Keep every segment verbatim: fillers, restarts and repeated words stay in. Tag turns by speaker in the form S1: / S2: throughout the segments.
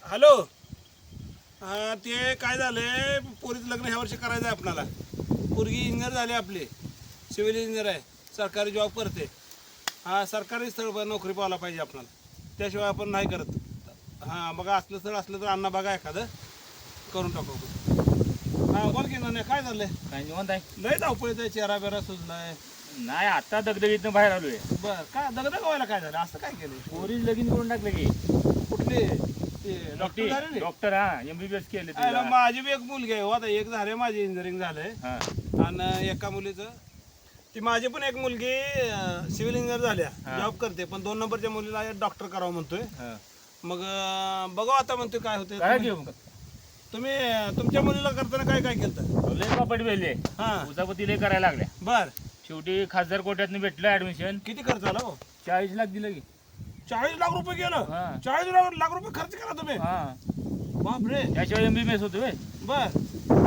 S1: Hello. हां ते काय झालंय, पोरीचं लग्न ह्या वर्षी करायचं आहे आपल्याला. पोरगी इंजिनियर झाली आपली, सिव्हिल इंजिनियर आहे, सरकारी जॉब करते. हां सरकारी स्थळ नोकरी पाहायला पाहिजे आपल्याला, त्याशिवाय आपण नाही करत. हां बघा असलं स्थळ असलं तर अण्णा बघा एखादं करून टाकू. हां बोल की ना, काय झालंय?
S2: काय निवांत आहे?
S1: लय धावपळीत आहे, चेहरा बेरा सुजलाय.
S2: नाही आता दगदगीतनं बाहेर आलोय.
S1: बर काय दगदग व्हायला काय झालं, असं काय केलं?
S2: पोरीच लगीन करून टाकलं की.
S1: कुठले ते डॉक्टर झाले ना?
S2: डॉक्टर हा एमबीबीएस केले ते.
S1: अरे माझी बी एक मुलगी आहे हो, आता एक झाले माझी इंजिनिअरिंग झालंय.
S2: हा
S1: आणि एका मुलीचं ती माझी पण एक मुलगी सिव्हिल इंजिनियर झाल्या, जॉब करते, पण दोन नंबरच्या मुलीला डॉक्टर करावं म्हणतोय.
S2: हा.
S1: मग अं, बघू आता म्हणतोय काय होतंय.
S2: काय
S1: तुम्ही
S2: घेऊ
S1: तुम्ही तुमच्या मुलीला करताना काय काय केलं?
S2: लय पापड वेले
S1: हा
S2: उजापती लय करायला लागल्या.
S1: बर
S2: शेवटी खासदार कोट्यातनं भेटलं ऍडमिशन.
S1: किती खर्च आला हो?
S2: चाळीस लाख दिलं की.
S1: चाळीस लाख रुपये गेलं.
S2: हा.
S1: चाळीस लाख लाख रुपये खर्च केला तुम्ही?
S2: हा
S1: बापरे.
S2: त्याशिवाय एमबीबीएस होतो व्हय.
S1: बर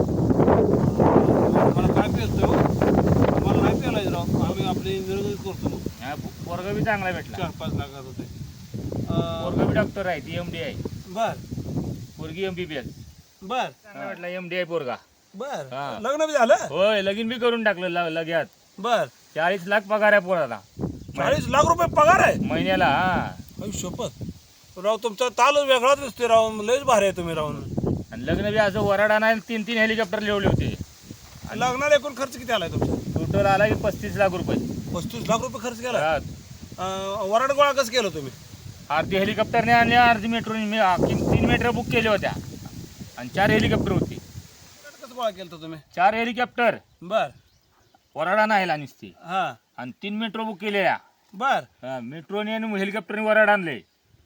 S1: मला काय पेलतोय हो, मला नाही पेलायचं राव, आम्ही आपले इंजिनिअरिंग करतो. मग
S2: हा, पोरगा बी चांगला भेटला.
S1: चार पाच लाखात होते.
S2: पोरगा बी डॉक्टर आहे ती एमडी आहे.
S1: बर
S2: पोरगी एमबीबीएस.
S1: बर
S2: चांगला भेटला एमडी आहे पोरगा.
S1: बर
S2: हा.
S1: लग्न बी झालं?
S2: होय लगीन बी करून टाकलं ल- लगेच.
S1: बर
S2: चाळीस लाख पगार आहे पोराला
S1: चाळीस लाख रुपये पगार आहे?
S2: महिन्याला. हा
S1: अहो शपथ राव, तुमचा तालच वेगळाच दिसतोय राव, लयच भारी आहे तुम्ही राहून.
S2: आणि लग्न बी असं वराडा नाही, तीन तीन हेलिकॉप्टर लिवले होते.
S1: लग्नाला एकूण खर्च किती आलाय तुमचा?
S2: टोटल आला की पस्तीस लाख रुपये.
S1: पस्तीस लाख रुपये खर्च केला.
S2: हा.
S1: वराड गोळा कसं केलं तुम्ही?
S2: अर्धी हेलिकॉप्टरने आणले, अर्धी मेट्रोने. मी आ- किम- तीन मेट्रो बुक केल्या होत्या आणि चार हेलिकॉप्टर होती.
S1: कसं गोळा केलं तुम्ही?
S2: चार हेलिकॉप्टर
S1: बर
S2: वराडा नाही नुसती,
S1: हा
S2: आणि तीन मेट्रो बुक केलेल्या.
S1: बर
S2: हा, मेट्रोने आणि हेलिकॉप्टरने वराड आणले.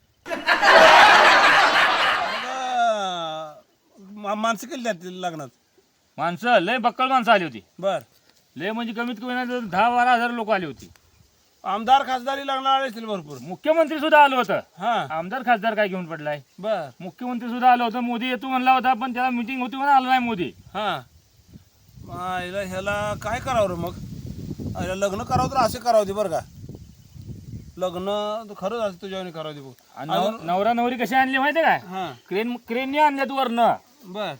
S1: मग माणसं केली त्यात लग्नात?
S2: माणसं लय बक्कळ माणसं आली होती.
S1: बर
S2: लय म्हणजे कमीत कमी नाही तर दहा बारा हजार लोक आली होती.
S1: आमदार खासदारी लग्नाला आले असतील भरपूर?
S2: मुख्यमंत्री सुद्धा आलं होतं.
S1: हा
S2: आमदार खासदार काय घेऊन पडलाय.
S1: बर
S2: मुख्यमंत्री सुद्धा आलं होतं. मोदी येतो म्हणला होता, पण त्याला मिटिंग होती म्हणून आला नाही मोदी.
S1: हा मग हिला ह्याला काय करावं रे मग? हिला लग्न करावं तर असे करावं दे बरं का, लग्न तर खरंच असं तुझ्यावर करावं दे बघ.
S2: आणि नव- नवरा नवरी कशी आणली माहितीये काय?
S1: हा
S2: क्रेन क्रेनने आणल्यात वरनं.
S1: बर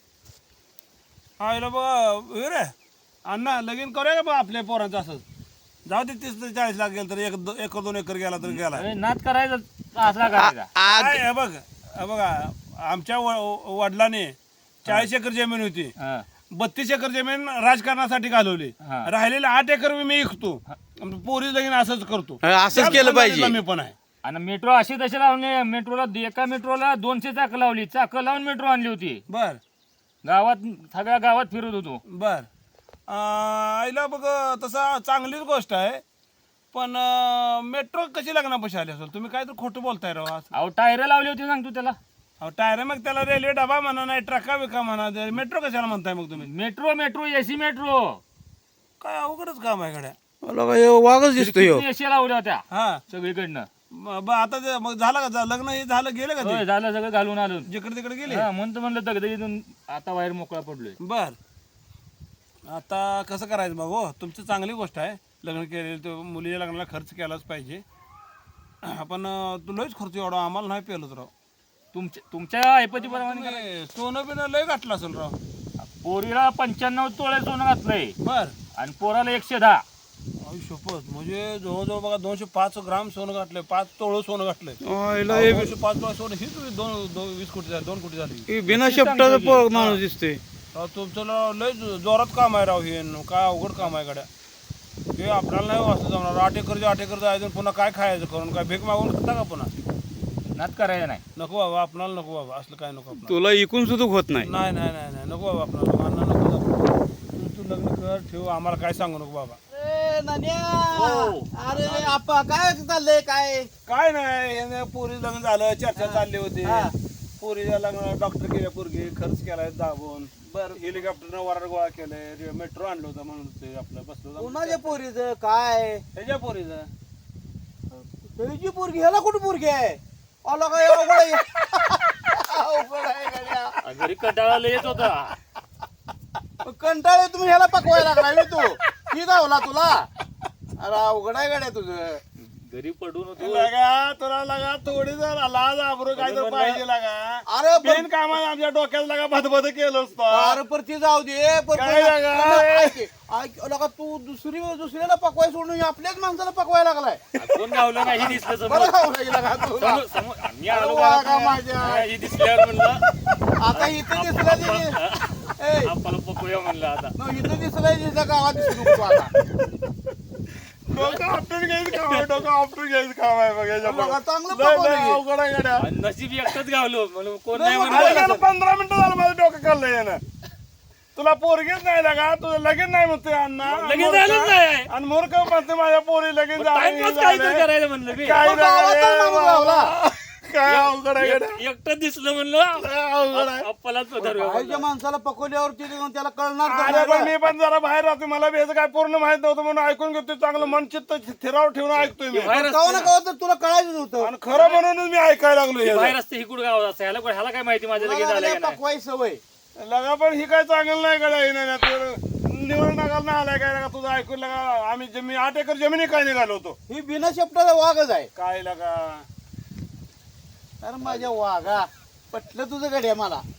S1: आईला बघ रे अण्णा, लगीन करूया का बा आपल्या पोरांचं असंच? जाऊ दे, तीस ते चाळीस लाख गेलं तर एक दो- एकर दोन एकर गेला तर गेला.
S2: अरे नाद करायचा असला करायचा.
S1: काय हे बघ हे बघा, आमच्या व- वडिलांनी चाळीस एकर जमीन होती,
S2: हा.
S1: बत्तीस एकर जमीन राजकारणासाठी घालवली,
S2: हा.
S1: राहिलेले आठ एकर मी विकतो, पोरी लगीन असंच करतो.
S3: असंच केलं पाहिजे.
S1: मी पण आहे.
S2: आणि मेट्रो अशी तशी लावली. मेट्रोला एका मेट्रोला दोनशे चाकं लावली, चाकं लावून मेट्रो आणली होती.
S1: बर
S2: गावात सगळ्या गावात फिरत होतो.
S1: बर आईला बघ तसा चांगलीच गोष्ट आहे, पण मेट्रो कशी लग्नापाशी आली असेल? तुम्ही काय तर खोटं बोलताय राव.
S2: अहो टायर लावली होती सांगतो त्याला.
S1: अहो टायर मग त्याला रेल्वे डबा म्हणा, नाही ट्रका बिका म्हणा, मेट्रो कशाला म्हणताय मग तुम्ही?
S2: Metro metro AC metro.
S1: काय अवघडच काम आहे गड्या.
S3: मला काय वाघच दिसतोय ह्यो.
S2: एसी लावल्या होत्या
S1: हा
S2: सगळीकडनं.
S1: ब- ब- आता ते मग झालं का जा- लग्न हे झालं, गेले का ते
S2: होय झालं सगळं घालून आलो.
S1: जिकडे तिकडे गेले?
S2: हा, म्हणतो म्हणलं दगदगीतून आता बाहेर मोकळा पडलोय.
S1: बर आता कसं करायचं मग हो? तुमची चांगली गोष्ट आहे, लग्न केलेलं, तो मुलीच्या लग्नाला खर्च केलाच पाहिजे. आपण तू लयच खर्च एवढा आम्हाला नाही पेलत राव.
S2: तुमच्या तुमच्या ऐपतीप्रमाणे करा.
S1: तुम्ही सोनं बिनं लय घातलं असेल राव.
S2: पोरीला पंच्याण्णव तोळे सोनं घातलंय
S1: बर
S2: आणि पोराला एकशे दहा.
S1: आई शपथ, म्हणजे जवळजवळ बघा दोनशे पाच ग्राम सोनं घातलंय, पाच तोळं सोनं घातलंय.
S3: आईला हे
S1: दोनशे पाच तोळं सोनं ही तुम्ही दोन दोन वीस कोटी झाली, दोन कोटी झाली.
S3: हे बिना शब्दाचा प- माणूस दिसतोय.
S1: राव तुमचं ल- लय जो- जोरात काम आहे राव हे, काय अवघड काम आहे गड्या हे. आपल्याला नाही वाचलं जमणार. आठ एकरचे आठ एकर जायचं, पुन्हा काय खायचं करून? काय भीक मागून खाता का पुन्हा?
S2: नात करायचं नाही.
S1: नको बाबा, आपणाला नको बाबा, असलं काय नको आपल्याला.
S3: तुला इकून सुद्धा होत नाही.
S1: नाही नाही नाही नाही नको बाबा, आपल्याला अण्णा नको बाबा. तू तू लग्न कर, ठेव, आम्हाला काय सांगू नको बाबा.
S4: अरे नान्या, अरे आपा काय चाललंय काय?
S1: काय नाही, याने पोरी लग्न झालं, चर्चा चालली होती.
S4: हा.
S1: पोरीच्या लग्न डॉक्टर केल्या, पोरगी खर्च केलाय दाबून. बरं हेलिकॉप्टरनं वराड गोळा केलंय, मेट्रो आणलं होतं म्हणून ते आपलं बसलो
S4: कोणाच्या पोरीचं काय?
S1: ह्याच्या पोरीचं.
S4: तुझी पोरगी ह्याला कुठं पोरगी आहे? आला काय अवघड आहे? अवघड आहे गड्या.
S2: घरी कंटाळा येत होता.
S4: कंटाळे तुम्ही ह्याला पकवायला लागलाय बे तू. की धावला तुला? अरे अवघड आहे गड्या तुझं.
S2: घरी पडून होतो
S1: लगा तुला लगा थोडी जर लाज आबरू काय तर
S2: म्हणलं-
S1: पाहिजे लगा
S4: अरे पण-
S1: बिन कामात आमच्या डोक्यात लगा भदभद केलं असतं
S4: अरे पर ती जाऊ दे पण
S1: काय
S4: पण-
S1: लागा?
S4: पण ऐक- ऐक, लगा तू दुसरी दुसऱ्याला पकवाय सोडून आपल्याच माणसाला पकवायला लागलाय
S2: कोण गावलं नाही हे दिसलं
S4: बरं
S2: समोर
S4: गावलंय लगा तुला.
S2: समोर- समोर मी आलो
S4: अरे वा,
S2: घरात,
S4: का माझ्या.
S2: हे दिसल्यावर म्हणलं
S4: आता इथं दिसलं ते- ए,
S2: आपल्याला पकूया म्हणलं आता
S4: न, इथं दिसलंय तिथं गावात दिसू नको आता
S1: डोकं आपटून घ्यायचं काम आहे डोकं आपटून घ्यायचं काम आहे बघ याच्या
S4: बघा,
S1: पुढं.
S4: चांगलं
S1: लय- लय
S4: पकवलं हे.
S1: अवघड आहे गड्या.
S2: आणि नशीब एकटंच गावलो म्हणून कोण
S4: नाही,
S2: नाही
S4: मग
S1: अरे
S2: म्हणलं
S1: यानं पंधरा मिनिटं झालं माझं डोकं खाल्लं यानं तुला पोरगीच नाही लागा तुझं लगीन नाही म्हणते अण्णा आणि
S2: लगीन
S1: मूर्ख-
S2: झालंच नाही.
S1: आणि मूर्ख म्हणते माझ्या पोरी लगीन झालं,
S2: टाइमपास
S1: हे
S2: काहीतरी
S1: झालं.
S2: करायचं म्हणलं मी
S1: काय
S4: मग गावातच
S1: नाही रे
S4: माणूस
S1: बाबा.
S4: गावला.
S1: काय अवघड आहे गड्या.
S2: एक- एकटं दिसलं म्हणलं
S1: लय अवघड आहे
S2: अप्पालाच
S4: बाहेरच्या माणसाला पकवल्यावरती त्याला कळणार तर
S1: अरे
S4: नाही
S1: पण
S4: ना.
S1: मी पण जरा बाहेर राहतो मला बी याचं काय पूर्ण माहित नव्हतं म्हणून ऐकून घेतोय चांगलं मन चित्त स्थिरावर ठेवून ऐकतोय मी
S2: बाहेर
S4: कवा ना कवा तर तुला कळायचं होतं
S1: आणि खरं म्हणूनच मी ऐकायला लागलो
S2: बाहेर
S1: याचं.
S2: असते हिकुड गावात असं ह्याला ह्याला काय माहिती माझ्या लगेच
S4: तुला
S2: झालं
S4: लागल्या
S2: का नाही
S4: पकवाय सवय
S1: लगा पण ही काय चांगलं नाही गड्या येणार निवडून नगाल ना आलाय काय लगा तुझं ऐकून लगा आम्ही जमीन आठ एकर जमिनी काय निघालो होतो
S4: ही बिना शब्दाचा वाघच आहे
S1: काय लगा
S4: अरे माझ्या वाघा पटलं तुझं गड्या मला